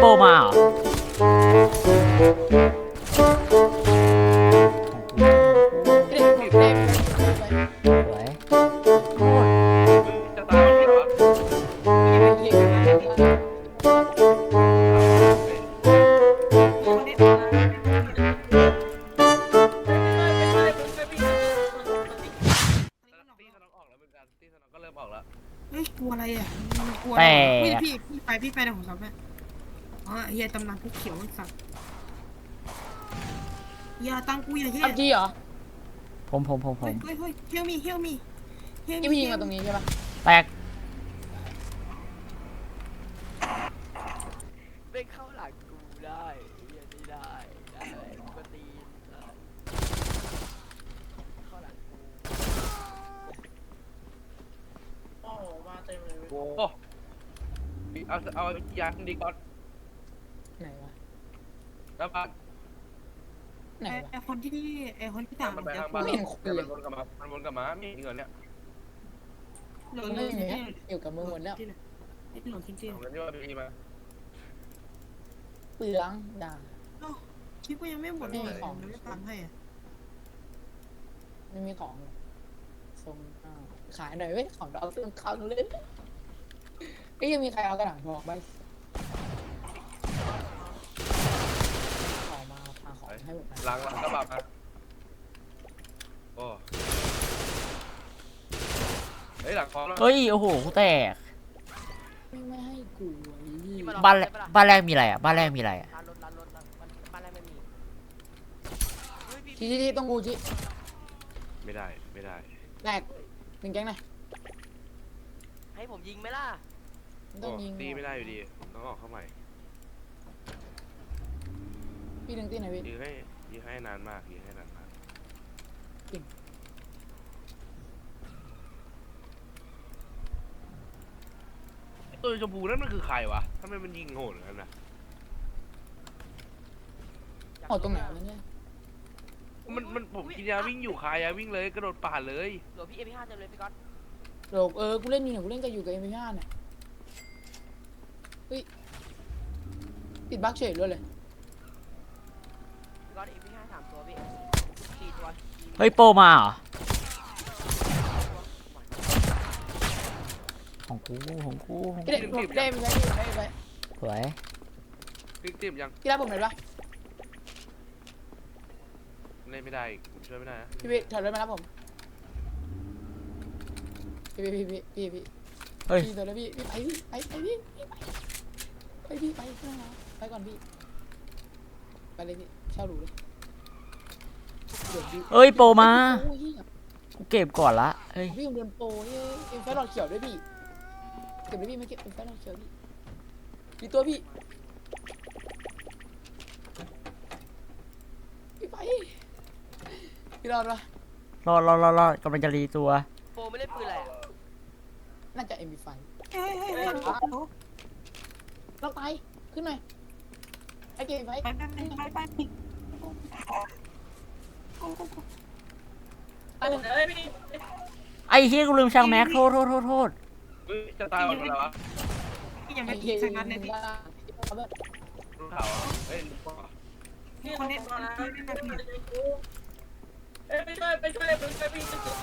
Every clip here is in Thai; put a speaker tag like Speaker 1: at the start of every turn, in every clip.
Speaker 1: โปรมาเหรอสวย
Speaker 2: จะตายมันเหรอตีสนองออกแล้วเหมือนกันตีสนองก็เริ่มออกแล้ว
Speaker 3: เฮ้ยกลัวอะไรอ่ะกลัว
Speaker 1: แต่
Speaker 3: พี่ไปนะผมซับแม่อ๋อเฮียตำนานผู้เขียวสัตว์อย่าตั้งกูอย่าเฮีย
Speaker 4: พับจีเหรอ
Speaker 1: ผม
Speaker 3: เฮ้ยเฮลมี
Speaker 4: ที่พี่ยิงมาตรงนี้ใช่ปะ
Speaker 1: แตก
Speaker 2: เป็นเข้าหลังกูได้ยังไม่ได้กูก็ตีเข้าหลังกู
Speaker 4: โอ้มาเต็มเลย
Speaker 2: โอ้เอายางดีก่อน
Speaker 4: ไหนวะ
Speaker 2: แล้วมา
Speaker 4: ไหนวะ
Speaker 3: ไอคนที่ต่าง
Speaker 2: มันไปทางบ้านมันวนกลับมามีเงินเนี่ย
Speaker 3: เหลือ
Speaker 4: ไม่มีเนี่ยอยู่กับมือหมดแล้ว
Speaker 3: ไอ้หลงจริง
Speaker 2: เอาเงินที่ว่ามีมา
Speaker 4: เปลืองด่า
Speaker 3: คิดว่ายังไม่หมดเลยของไม่ตังให้อ่ะ
Speaker 4: ไม่มีของทรงขายหน่อยเว้ยของเราเรื่องคังเลยไอ้ยังมีใครเอากระดาษบอกบ้างขอมาพาของให้หมด
Speaker 2: หลังกระบะมาโอ้เฮ้ยหลังพร้อมแล้ว
Speaker 1: เฮ้ยโอ้โหกูแตก
Speaker 4: ไม่ให้กู
Speaker 1: บ้านแรกมีอะไรอ่ะบ้านแรกมีอะไรอ่ะ
Speaker 2: ร้านรถบ้านอะไรไม่มี
Speaker 4: ที่ต้องกูชิ
Speaker 2: ไม่ได้
Speaker 4: แตกหนึ่งแก๊งไหน
Speaker 5: ให้ผมยิงไหมล่ะ
Speaker 4: ต้องยิง
Speaker 2: ตีไม่ได้อยู่ดีต้องออกเข้าใหม่
Speaker 4: พี่ดึงตีไหนพี่
Speaker 2: ยิงให้นานมากตัวชมพูนั่นมันคือใครวะทำไมมันยิงโหดกันนะ
Speaker 4: โอ้ตรงไหนวะเนี่ย
Speaker 2: มันผมกินยาวิ่งอยู่คายาวิ่งเลยกระโดดป่าเลย
Speaker 5: หลวงพี่ MP5 เต็มเลยพี่ก๊อต
Speaker 4: โดกกูเล่นอยู่เนี่ยกูเล่นกับอยู่กับเอ็มพีห้าเนี่ยเฮ้ยติดบั๊กเฉยเลย
Speaker 5: พี่ก๊อต MP5 3 ตัวพี่4 ตัว
Speaker 1: เฮ้ยโปรมาเหรอของกู
Speaker 4: พี่เด็กผมได้ไป
Speaker 1: สวย
Speaker 2: ติ่มยัง
Speaker 4: พี่รับผมหน่อยปะ
Speaker 2: เล่นไม่ได้ผมช่วยไม่ได้นะ
Speaker 4: พี่ถอยรถมารับผมพี่
Speaker 1: เฮ้ย
Speaker 4: พี่ถอยรถพี่ไปก่อนพี่ไปเลยพี่เช่าหรูเลย
Speaker 1: เฮ้ยโปรมากูเก็บก่อนละเฮ้ย
Speaker 4: พี่โดนโปรเอ็มไฟหลอดเขียวด้วยพี่เก็บเลยพี่ไม่เก็บเอ็มไฟหลอดเขียวพี่ตัวพี่ไปพี่รอดปะ
Speaker 1: รอดกำลังจะรีตัว
Speaker 5: โปรไม่เล่นปืนอะไรอะ
Speaker 4: น่าจะ MP5
Speaker 3: เฮ้ย
Speaker 4: ล็อกไปขึ้นหน่อยไอ้เกมไป
Speaker 3: ไป
Speaker 1: ไอ้เฮียกูลืมช่างแม็กโทษ
Speaker 2: จะตายหมดแล้ววะ
Speaker 3: ยังไม่สักนัดเลยพี่
Speaker 2: รู้ข่าวอ่ะเฮ้ยรู้ข่าว
Speaker 3: คนนี้
Speaker 4: ไปช่วยพี่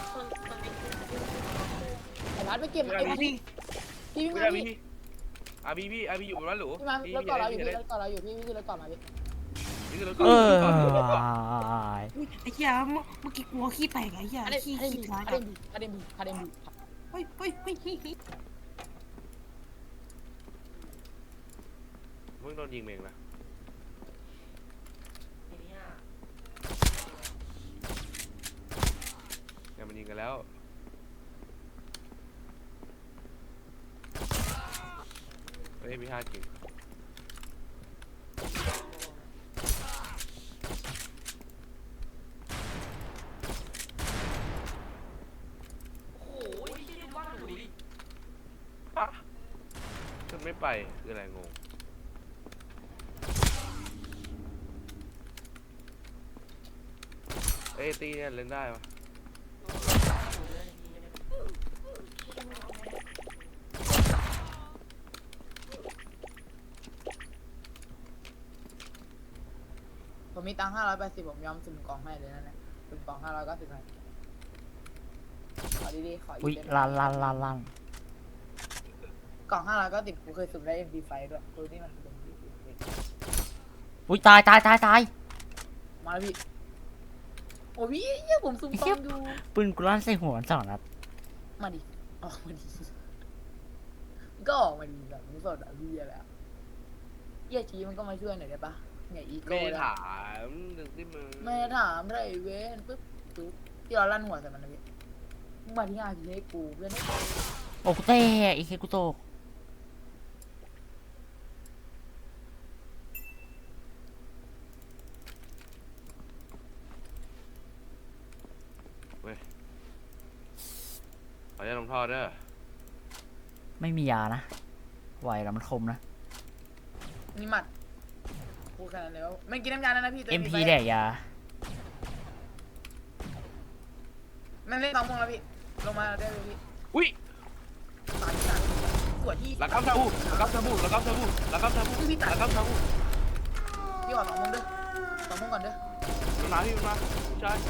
Speaker 4: ไอ้ร้านไปเก็บไอ้พี่พี่
Speaker 2: ไม่
Speaker 4: มา
Speaker 2: ได้
Speaker 4: พี่
Speaker 2: พี่อยู่บนบ้านหรู
Speaker 4: พี่มาแล้วก่อนเราอยู่พี่แล้วก่อนเราอยู่พี่แล้วก่อนมาพี่
Speaker 2: นี่คือรถ
Speaker 1: เออ
Speaker 3: ไอ้เหี้ยเมื่อกี้กลัวขี้แตกไอ้เหี้ยขี้ร้าย
Speaker 4: คาเดมบู
Speaker 3: เฮ้ย
Speaker 2: มึงโดนยิงเองนะเนี่ยมันยิงกันแล้วเฮ้ยมี5จริง
Speaker 5: โอ้ยพี่ดูว่าหนูดิ
Speaker 2: ขึ้นไม่ไปคืออะไรงงเอ้ยตีเนี่ยเล่นได้ปะ
Speaker 4: ผมมีตังค์580ผมยอมสุ่มกล่องให้เลยนั่นแหละสุ่มกล่อง590ให้ขอดีๆขอ
Speaker 1: อุ้ย
Speaker 4: เต็ม
Speaker 1: ลั่น
Speaker 4: กล่อง590กูเคยสุ่มได้ MP5 ด้วยตัวนี้มันเป็น
Speaker 1: อุ้ยตาย
Speaker 4: มาแล้วพี่โอ้พี่เหี้ยผมสุ่มกล่องอยู่
Speaker 1: ปืนกูลั่นใส่หัวมัน2 นัด
Speaker 4: มาดิออกมาดิก็ออกมาดิแบบมึงสดอ่ะพี่อะไรอ่ะเหี้ยชี้มันก็มาช่วยหน่อยได้ปะเนี่ยอีโก้
Speaker 2: ไม่ได้
Speaker 4: แล้ว
Speaker 2: ถามถึงที่มึง
Speaker 4: ไม่ถามไรเว้นปึ๊บปึ๊บที่เราลั่นหัวใส่มันนะพี่มึงมาที่งานพี่ให้กูเพื่อนให้กู
Speaker 1: โอ้กูเตะอีกแค่กูโตก
Speaker 2: ขออนุญาตลงท่อเด้อ
Speaker 1: ไม่มียานะไหวแล้วมันคมนะ
Speaker 4: นี่หมัดกูแค่นั้นเลยว่าไม่กินน้ำยาแล้วนะพี่ตัว
Speaker 1: MP แดกยา
Speaker 4: มันเล่น2 โมงแล้วพี่ลงมาได้เลยพี่
Speaker 2: อุ้ย
Speaker 4: ตายที่ไหนสวยที่
Speaker 2: ระกัมซาบูระกัมซาบูระกัมซาบูระกัมซาบูระกัมซาบู
Speaker 4: พี่ขอ2 โมงเด้อ2 โมงก่อนเด้อ
Speaker 2: มันมาพี่มันมาใช่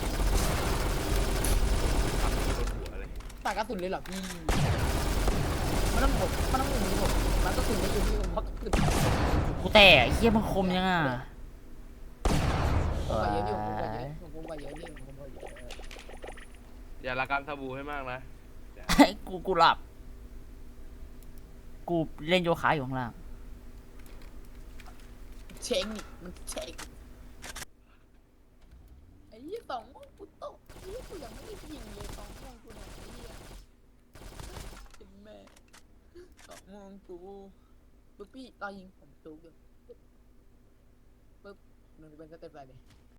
Speaker 2: หัวเลย
Speaker 4: ตากระสุนเลยเหรอพี่มันต้องหมดมันกระสุนไม่อยู่พี่ผมเพราะกระสุน
Speaker 1: กูเตะไอ้เหี้ยมันคมยังอ่ะ
Speaker 4: ผมกว่าเยอะอยู่ผมกว่าเยอะนี่ผมกว่าเยอะ
Speaker 2: อย่าระกัมซาบูให้มากนะ
Speaker 1: กูหลับ กูเล่นโยคะอยู่ข้างล่าง
Speaker 4: เช็งนี่มันเช็งไอ้ยี่2 โมงกูตกไอ้ยี่กูยังไม่ได้ยิงเลย2 โมงกูเนี่ยไอ้ยี่เป็นแม่2 โมงกูปุ๊บพี่รอยิงผมจูบอยู่ปุ๊บมันเป็นสเต็ปอะไรเลย